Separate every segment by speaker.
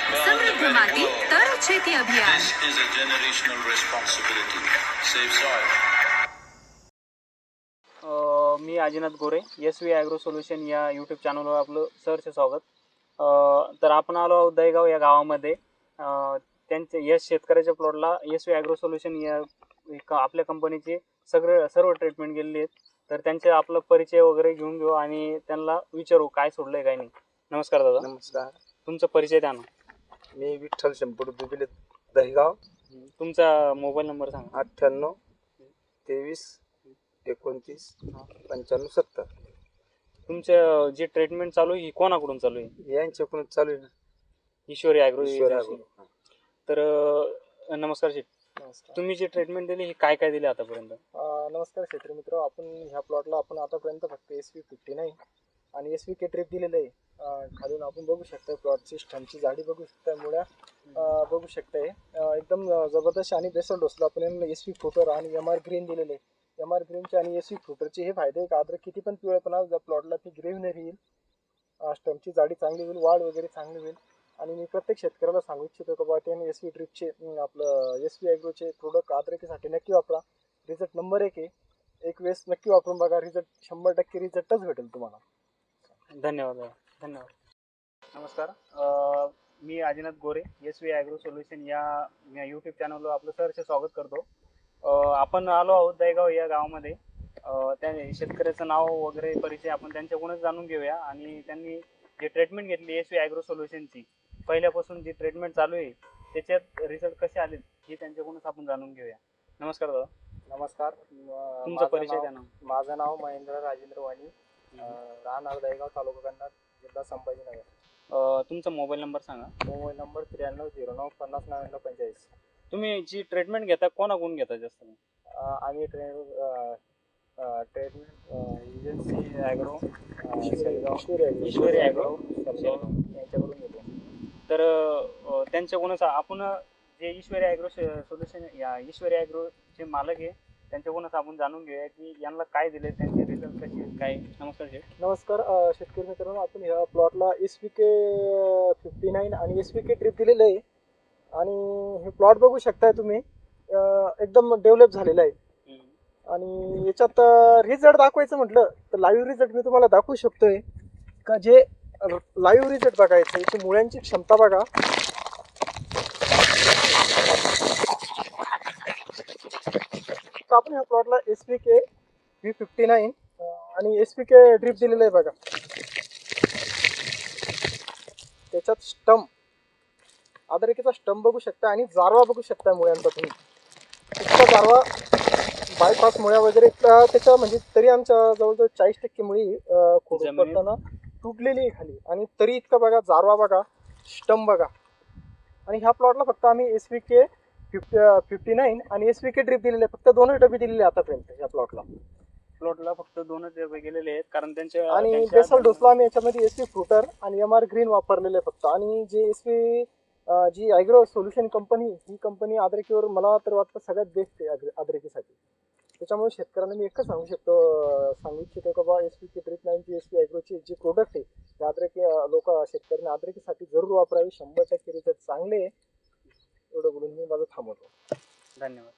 Speaker 1: સમૃદ્ધ માટી તર છેતી અભિયાન.
Speaker 2: This is a generational responsibility. Save soil.
Speaker 3: मी Ajinath Gore, SV agro solution या यूट्यूब चॅनलवर आपलं सहर्ष स्वागत. तर आपण आलो आहोत दहीगाव या गावामध्ये. त्यांचे या शेतकऱ्याच्या प्लॉटला SV ॲग्रो सोल्युशन या आपल्या कंपनीचे सर्व ट्रीटमेंट गेलेली आहेत. तर त्यांचे आपला परिचय वगैरे घेऊन घेऊ आणि त्यांना विचारू काय सोडलंय काय नाही. नमस्कार दादा.
Speaker 4: नमस्कार.
Speaker 3: तुमचा परिचय द्या ना.
Speaker 4: मी विठ्ठल शंपूर दुबिले, दहीगाव.
Speaker 3: तुमचा मोबाईल नंबर सांगा.
Speaker 4: 98 23 29 95 70.
Speaker 3: तुमचं जे ट्रीटमेंट चालू आहे ही कोणाकडून चालू आहे?
Speaker 4: यांच्याकडून चालू आहे ना.
Speaker 3: ईश्वरी ॲग्रो.
Speaker 4: ईश्वरी ॲग्रो.
Speaker 3: तर नमस्कार शेठ.
Speaker 4: नमस्कार.
Speaker 3: तुम्ही जे ट्रीटमेंट दिली ही काय काय दिली आतापर्यंत?
Speaker 5: नमस्कार शेतकरी मित्र. आपण ह्या प्लॉटला आपण आतापर्यंत फक्त SV59 आणि SVK ट्रिप दिलेलं आहे. खालून आपण बघू शकता प्लॉटची स्टमची जाडी बघू शकता, मुळ्या बघू शकताय. एकदम जबरदस्त आणि बेसल डोसला आपण यांना SV फ्रुटर आणि MR ग्रीन दिलेले आहे. MR ग्रीनचे आणि SV फ्रुटरचे हे फायदे का अद्रक किती पण पिवळेपणा जर प्लॉटला ती ग्रेव्हनरी येईल, स्टमची जाडी चांगली होईल, वाढ वगैरे चांगली होईल. आणि मी प्रत्येक शेतकऱ्याला सांगू इच्छितो की बाबा त्यांनी SV ड्रिपचे आपलं SV ॲग्रोचे प्रोडक्ट अद्रकीसाठी नक्की वापरा. रिझल्ट नंबर 1 आहे. एक वेळेस नक्की वापरून बघा, रिझल्ट 100% रिझल्टच भेटेल तुम्हाला.
Speaker 3: धन्यवाद. धन्यवाद. नमस्कार. मी Ajinath Gore, SV agro solution या यूट्यूब चॅनलवर आपलं सहर्ष स्वागत करतो. आपण आलो आहोत दहीगाव या गावामध्ये. त्या शेतकऱ्याचं नाव वगैरे परिचय आपण त्यांच्याकडूनच जाणून घेऊया आणि त्यांनी जे ट्रीटमेंट घेतली SV ॲग्रो सोल्युशनची, पहिल्यापासून जी ट्रीटमेंट चालू आहे त्याच्यात रिझल्ट कसे आले हे त्यांच्याकडूनच आपण जाणून घेऊया. नमस्कार दादा.
Speaker 5: नमस्कार.
Speaker 3: तुमचा परिचय द्या ना.
Speaker 5: माझं नाव महेंद्र राजेंद्र वाणी, राहणार दहीगाव, तालुका कन्नड, जिल्हा संभाजीनगर.
Speaker 3: तुमचा मोबाईल नंबर सांगा.
Speaker 5: Mobile number 9309 50 99 45.
Speaker 3: तुम्ही जी ट्रीटमेंट घेता कोणाकडून घेता जास्त?
Speaker 5: आम्ही treatment agency agro Ishwari agro यांच्याकडून घेतो.
Speaker 3: तर त्यांच्याकडूनच आपण जे ईश्वरी ॲग्रो सोल्युशन या ईश्वरी ॲग्रोचे मालक आहे त्यांच्याकडूनच आपण जाणून घेऊया की यांना काय दिले, त्यांचे रिझल्ट कसे काय. नमस्कार शेठ.
Speaker 5: नमस्कार शेतकरी मित्रांनो. आपण ह्या प्लॉटला SVK59 आणि SVK ट्रिप दिलेलं आहे आणि हे प्लॉट बघू शकताय तुम्ही, एकदम डेव्हलप झालेलं आहे. आणि याच्यात रिझल्ट दाखवायचं म्हटलं तर लाईव्ह रिझल्ट मी तुम्हाला दाखवू शकतोय का. जे लाईव्ह रिझल्ट बघायचं, याची मुळ्यांची क्षमता बघा. तर आपण ह्या प्लॉटला SVK V59 आणि SVK ड्रिप दिलेलं आहे बघा. त्याच्यात स्टम, अद्रकीचा स्टम बघू शकता आणि जारवा बघू शकता मुळ्यांचा तुम्ही. इतका जारवा, बायपास मुळ्या वगैरे त्याच्या म्हणजे तरी आमच्या जवळजवळ 40% मुळी खोडून पडताना तुटलेली आहे खाली. आणि तरी इतका बघा जारवा बघा, स्टम बघा. आणि ह्या प्लॉटला फक्त आम्ही SVK 59 आणि SVK ड्रिप दिलेले, फक्त 2 डबे दिलेले आतापर्यंत ह्या प्लॉटला
Speaker 3: फक्त 2च डबे गेलेले आहेत कारण त्यांचे
Speaker 5: आणि बेसल डोसला आम्ही याच्यामध्ये SV फ्रुटर आणि MR ग्रीन वापरलेले फक्त. आणि जे जी ॲग्रो सोल्युशन कंपनी, ही कंपनी अद्रकीवर मला तर वाटतं सगळ्यात बेस्ट आहे अद्रकीसाठी. त्याच्यामुळे शेतकऱ्यांना मी एकच सांगू इच्छितो की बाबा SVK ट्रिप 9 SV ॲग्रोचे जे प्रोडक्ट आहे ते अद्रकी शेतकऱ्यांना अद्रकीसाठी जरूर वापरावे. 100% रिझल्ट चांगले आहे. एवढं बोलून मी माझं थांबवतो.
Speaker 3: धन्यवाद.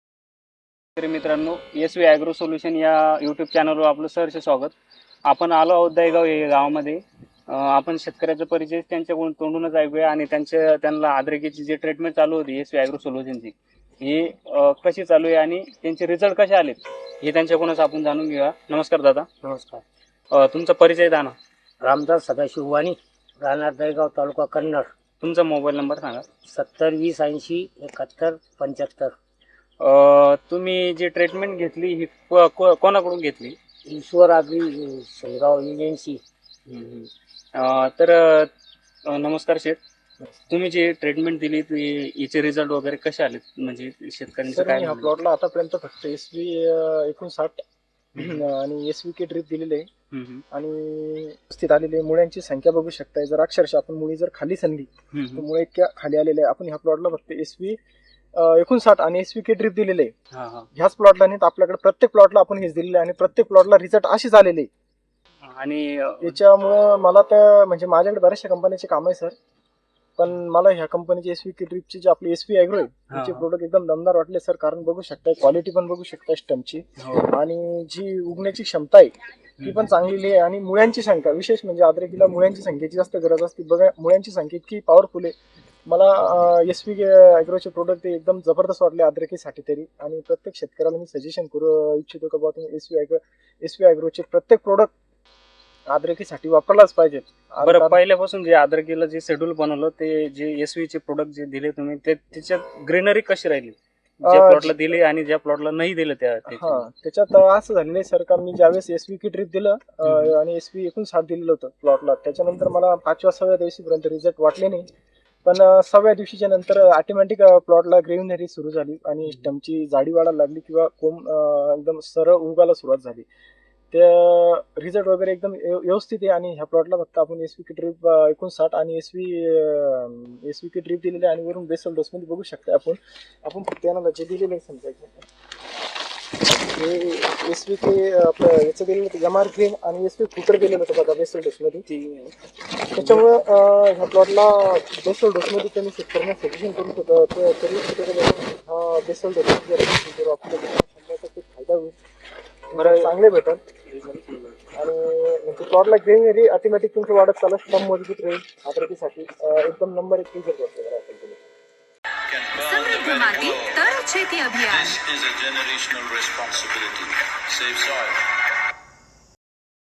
Speaker 3: तर मित्रांनो, SV ॲग्रो सोल्युशन या यूट्यूब चॅनलवर आपलं सहर्ष स्वागत. आपण आलो आहोत दहीगाव या गावामध्ये. आपण शेतकऱ्याचा परिचय त्यांच्याकडून तोंडूनच ऐकूया आणि त्यांना अद्रकीची जी ट्रीटमेंट चालू होती SV ॲग्रो सोल्युशनची ही कशी चालू आहे आणि त्यांचे रिझल्ट कसे आलेत हे त्यांच्याकडूनच आपण जाणून घेऊया. नमस्कार दादा.
Speaker 6: नमस्कार.
Speaker 3: तुमचा परिचय द्या ना.
Speaker 6: रामदास सदाशिव वाणी, राहणार दहीगाव, तालुका कन्नड.
Speaker 3: तुमचा मोबाईल नंबर सांगा.
Speaker 6: 70 20 80 71 75.
Speaker 3: तुम्ही जी ट्रीटमेंट घेतली ही कोणाकडून घेतली?
Speaker 6: Ishwar agri Shelgaon agency.
Speaker 3: तर नमस्कार शेठ. तुम्ही जी ट्रीटमेंट दिली याचे रिझल्ट वगैरे कसे आले, म्हणजे शेतकऱ्यांचं काय?
Speaker 5: ह्या प्लॉटला आतापर्यंत फक्त SV59 आणि SVK ड्रिप दिलेले आहे आणि व्यवस्थित आलेले. मुळ्यांची संख्या बघू शकताय. जर अक्षरशः आपण मुळी जर खाली सनली तर मुळे इतक्या खाली आलेले आहे. आपण ह्या प्लॉटला फक्त SV59 आणि SVK ड्रिप दिलेले आहे. ह्याच प्लॉटला नाही तर आपल्याकडे प्रत्येक प्लॉटला आपण हेच दिलेले आणि प्रत्येक प्लॉटला रिझल्ट असेच आलेले.
Speaker 3: आणि
Speaker 5: याच्यामुळं मला तर म्हणजे माझ्याकडे बऱ्याचशा कंपन्यांचे काम आहे सर. पण मला ह्या कंपनीचे SVK ड्रिपचे जे आपले SV ॲग्रो आहे त्याचे
Speaker 3: हा.
Speaker 5: प्रोडक्ट एकदम दमदार वाटले सर. कारण बघू शकताय क्वालिटी पण बघू शकताय स्टमची,
Speaker 3: हो.
Speaker 5: आणि जी उगण्याची क्षमता आहे ती पण चांगलेली आहे. आणि मुळ्यांची संख्या, विशेष म्हणजे अद्रकीला मुळ्यांची संख्येची जास्त गरज असते. बघा मुळ्यांची संख्या इतकी पॉवरफुल आहे. मला SVK ॲग्रोचे प्रोडक्ट एकदम जबरदस्त वाटले अद्रकीसाठी तरी. आणि प्रत्येक शेतकऱ्याला मी सजेशन करू इच्छितो की बाबा तुम्ही SV ॲग्रोचे प्रत्येक प्रोडक्ट अद्रकीसाठी वापरलाच पाहिजे.
Speaker 3: बरं, पहिल्यापासून जे अद्रकीला जे शेड्यूल बनवलं ते जे SV चे प्रोडक्ट जे दिले तुम्ही ते त्याच्यात ग्रीनरी कशी राहिली, ज्या प्लॉटला दिले आणि ज्या प्लॉटला नाही दिलं त्याची?
Speaker 5: त्याच्यात असं झालेलं आहे सर का मी ज्यावेळेस SVK ड्रिप दिलं आणि SV 59 दिलेलं होतं प्लॉटला, त्याच्यानंतर मला 5व्या-6व्या दिवशीपर्यंत रिझल्ट वाटले नाही. पण 6व्या दिवशीच्या नंतर ऑटोमॅटिक प्लॉटला ग्रीनरी सुरू झाली आणि स्टमची जाडी वाढायला लागली किंवा कोंब एकदम सरळ उगायला सुरुवात झाली. त्या रिझल्ट वगैरे एकदम व्यवस्थित आहे. आणि ह्या प्लॉटला फक्त आपण SVK ड्रिप 59 आणि SVK ड्रिप दिलेले आणि वरून बेसल डोसमध्ये बघू शकता आपण फक्त यांना जे दिलेलं आहे समजायचं हे SVK आपलं याचं दिलेलं होतं MR ग्रीन आणि SV फुटर दिलेलं होतं बघा बेसल डोसमध्ये. त्याच्यामुळं ह्या प्लॉटला बेसल डोसमध्ये त्यांनी शेतकऱ्यांना सजेशन करून होतं तरी हा बेसल डोस जर आपल्याला 100% फायदा होईल, बरं चांगले भेटत. आणि म्हणजे प्लॉटला ग्रीनरी ऑटोमॅटिक तुमचं वाढत चालत स्टम मजबूत राहील. अद्रकीसाठी एकदम नंबर 1 रिझल्ट वाटतो.
Speaker 2: Can burn the
Speaker 1: समृद्ध
Speaker 2: very
Speaker 1: माती
Speaker 2: glow.
Speaker 1: तर शेती अभियान.
Speaker 2: This is a generational responsibility. Save soil.